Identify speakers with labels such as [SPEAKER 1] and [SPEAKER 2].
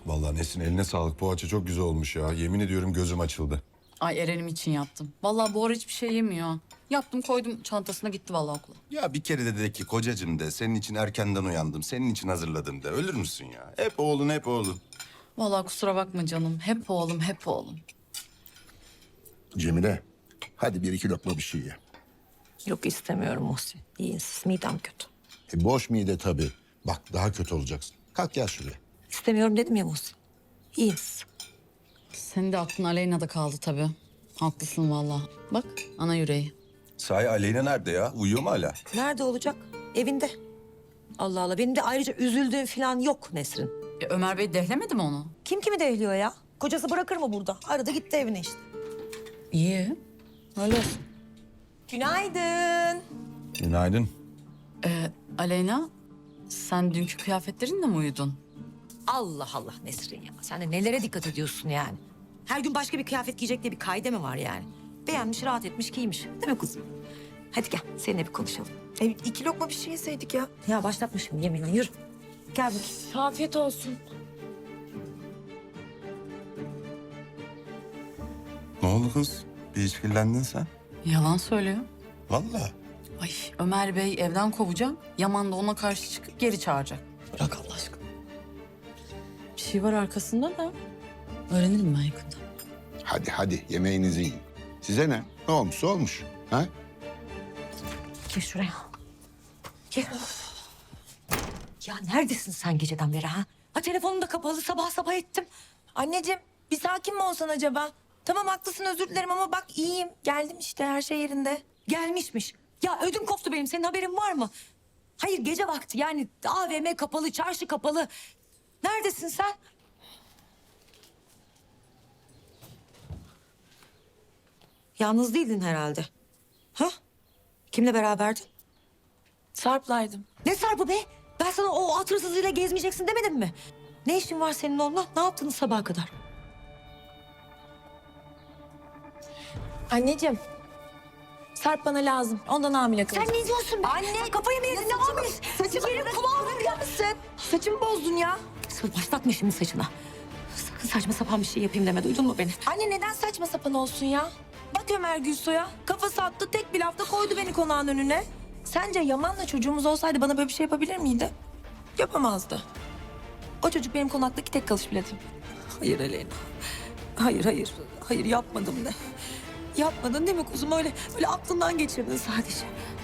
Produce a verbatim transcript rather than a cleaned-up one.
[SPEAKER 1] Vallahi Nesin eline sağlık. Poğaça çok güzel olmuş ya. Yemin ediyorum gözüm açıldı.
[SPEAKER 2] Ay Eren'im için yaptım. Vallahi bu ara hiçbir şey yemiyor. Yaptım koydum çantasına gitti vallahi okula.
[SPEAKER 1] Ya bir kere de de ki kocacığım de senin için erkenden uyandım. Senin için hazırladım de. Ölür müsün ya? Hep oğlun hep oğlun.
[SPEAKER 2] Vallahi kusura bakma canım. Hep oğlum hep oğlum.
[SPEAKER 3] Cemile, hadi bir iki lokma bir şey ye.
[SPEAKER 4] Yok istemiyorum Muhsin. Yiyin siz, midem kötü.
[SPEAKER 3] E boş mide tabii. Bak daha kötü olacaksın. Kalk gel şuraya.
[SPEAKER 4] İstemiyorum dedim ya Muhsin. Yiyin siz.
[SPEAKER 2] Senin de aklın Aleyna'da kaldı tabii. Haklısın vallahi. Bak ana yüreği.
[SPEAKER 1] Sahi Aleyna nerede ya? Uyuyor mu hala?
[SPEAKER 4] Nerede olacak? Evinde. Allah Allah, benim de ayrıca üzüldüğüm falan yok Nesrin.
[SPEAKER 2] E, Ömer Bey dehlemedi mi onu?
[SPEAKER 4] Kim kimi dehliyor ya? Kocası bırakır mı burada? Arada gitti evine işte.
[SPEAKER 2] İyi. Öyle olsun.
[SPEAKER 4] Günaydın.
[SPEAKER 1] Günaydın.
[SPEAKER 2] Ee, Aleyna sen dünkü kıyafetlerinle mi uyudun?
[SPEAKER 4] Allah Allah Nesrin ya. Sen de nelere dikkat ediyorsun yani? Her gün başka bir kıyafet giyecek diye bir kaide mi var yani? Beğenmiş, rahat etmiş, giymiş. Değil mi kuzum? Hadi gel, seninle bir konuşalım.
[SPEAKER 5] E, iki lokma bir şey yeseydik ya.
[SPEAKER 4] Ya başlatmışım yeminle, yürü. Gel bakayım.
[SPEAKER 5] Afiyet olsun.
[SPEAKER 1] Ne oldu kız? Bir işkillendin sen.
[SPEAKER 2] Yalan söylüyor.
[SPEAKER 1] Vallahi.
[SPEAKER 2] Ay Ömer Bey evden kovacak. Yaman da ona karşı çıkıp geri çağıracak. Bırak Allah aşkına. Bir şey var arkasında da. Öğrenirim ben yakında.
[SPEAKER 3] Hadi hadi yemeğinizi yiyin. Size ne? Ne olmuşsa olmuş. Ha?
[SPEAKER 4] Gel şuraya. Gel. Ya neredesin sen geceden beri ha? Ha telefonum da kapalı, sabah sabah ettim.
[SPEAKER 5] Anneciğim bir sakin mi olsan acaba? Tamam haklısın özür dilerim ama bak iyiyim. Geldim işte her şey yerinde.
[SPEAKER 4] Gelmişmiş. Ya ödüm koptu benim, senin haberin var mı? Hayır gece vakti yani A V M kapalı, çarşı kapalı. Neredesin sen? Yalnız değildin herhalde. Ha? Kimle beraberdin?
[SPEAKER 5] Sarp'laydım.
[SPEAKER 4] Ne Sarp'ı be? Ben sana o at hırsızıyla gezmeyeceksin demedim mi? Ne işin var senin onunla? Ne yaptınız sabaha kadar?
[SPEAKER 5] Anneciğim. Sarp bana lazım. Ondan hamile kalacağım.
[SPEAKER 4] Sen ne diyorsun be? Anne. Kafayı mı yedin? Ne yapmış?
[SPEAKER 5] Saçımı
[SPEAKER 4] Yerim kulağımı
[SPEAKER 5] bırakır mısın? Saçımı bozdun ya.
[SPEAKER 4] Başlatma şimdi saçına. Sakın saçma sapan bir şey yapayım deme. Duydun mu beni?
[SPEAKER 5] Anne neden saçma sapan olsun ya? Bak Ömer Gülsoy'a. Kafası attı tek bir lafta koydu beni konağın önüne. Sence Yaman'la çocuğumuz olsaydı bana böyle bir şey yapabilir miydi? Yapamazdı. O çocuk benim konaktaki tek kalış biletim.
[SPEAKER 4] Hayır Aleyna. Hayır hayır. Hayır yapmadım de. Yapmadın değil mi kuzum? Öyle, öyle aklından geçirdin sadece.